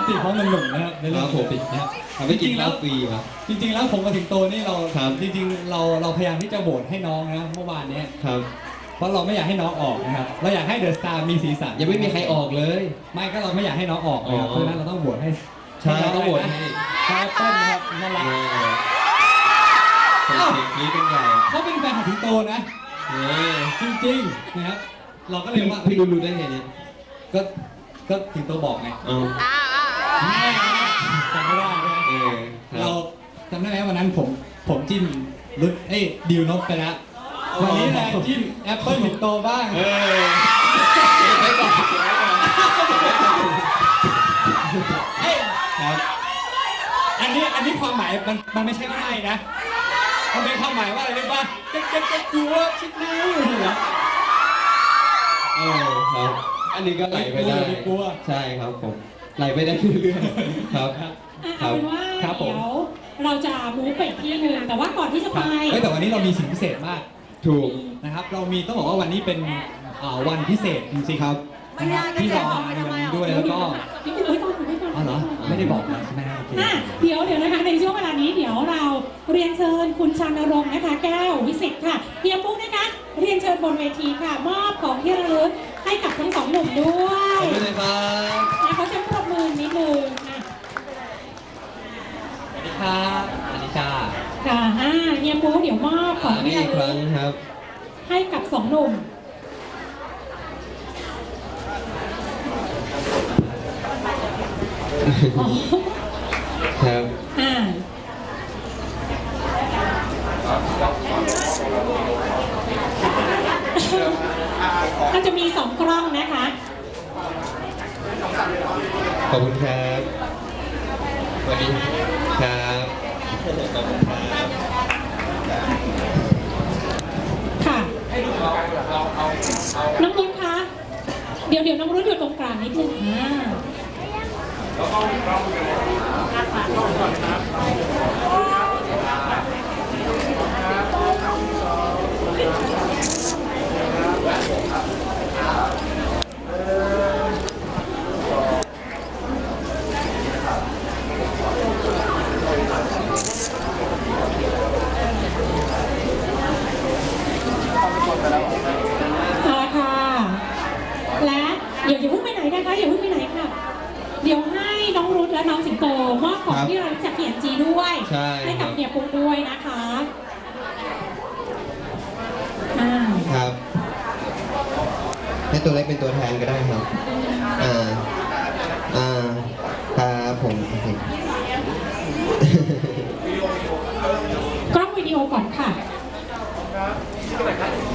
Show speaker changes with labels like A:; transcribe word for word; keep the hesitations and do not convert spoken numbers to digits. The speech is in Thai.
A: ติเพราะมันหนุ่มนะครับในเรื่องผมนะ
B: ทำให้กินข้าวฟรีครับ
A: จริงๆแล้วผมกับสิงโตนี่เราจริงๆเราเราพยายามที่จะโหวตให้น้องนะเมื่อวานนี้
B: ครับ
A: เพราะเราไม่อยากให้น้องออกนะครับเราอยากให้เดอะสตาร์มีสีสัน
B: ยังไม่มีใครออกเลย
A: ไม่ก็เราไม่อยากให้น้องออกนะครับเพราะฉะนั้นเราต้องโหวตให้
B: ใช่ต้องโหวตให้
A: คาร์เต้นนะครับน่ารัก
B: เสียงนี้เป็นใหญ่
A: เขาเป็นแฟนของสิงโตนะจริงๆนะครับเราก็เลยว่า
B: พี่รู้รู้ได้ไงเนี่ย
A: ก็ก็สิงโตบอกไงจำไม่ได้เราจำได้ไหมวันนั้นผมผมจิ้มรุ่นเอ้ยดิวนกไปแล้ววันนี้นะจิ้มแอปเปิ้ลสิงโตบ้างเออไม่บอกครับอันนี้อันนี้ความหมายมันมันไม่ใช่ว่าไม่นะมันเป็นความหมายว่าอะไรรู้ป่ะเจ๊กเจ๊กเจ๊กกลัวชิดนิ้วเหรอ
B: เออครับอันนี้ก็ไหลไปได้ใช่ครับผมไหลไปได้เรื่อยๆครับ
C: เอาเป็นว่าเดี๋ยวเราจะมูฟไปที่หนึ่งแต่ว่าก่อนที่จะไป
A: แต่วันนี้เรามีสิ่งพิเศษมาก
B: ถูก
A: นะครับเรามีต้องบอกว่าวันนี้เป็นวันพิเศษจริงๆครับที่เรามาในวันนี้ด้วยแล้วก็อ๋อเหรอไม่ได้บอกนะใช่ไหมครับ
C: เดี๋ยวเดี๋ยวนะคะในช่วงเวลานี้เดี๋ยวเราเรียนเชิญคุณชานรงค์นะคะแก้ววิสิตค่ะเพียงปุ๊กนะคะเรียนเชิญบนเวทีค่ะมอบของที่ระลึกให้กับทั้งสองหนุ่มด้วย
B: ขอบคุณนะครับ
C: เขาจะปรบมือนิดนึง
A: สวัสดีครับอนิชา
C: ค่ะเฮียปุ๊กเดี๋ยวมอบของที่ระลึกให้กับสองหนุ่ม
B: ครับ
C: อ่าก็จะมีสองกล้องนะคะ
B: ขอบคุณครับสวัสดีครับขอบคุณครับ
C: ค่ะน้องรุ่นคะเดี๋ยวเดี๋ยวน้องรุ่นอยู่ตรงกลางนิดนึงอ่าเดี๋ยวอย่าเพิ่งไปไหนนะคะอย่าเพิ่งไปไหนค่ะเดี๋ยวให้น้องรุ่นและน้องสิงโตมอบของที่เราจากเขียนจีด้วยให้กับเฮียปุ๊กด้วยนะคะ
B: ครับให้ตัวเล็กเป็นตัวแทนก็ได้ครับอ่าอ่าครับผม
C: กล้องวิดีโอก่อนค่ะ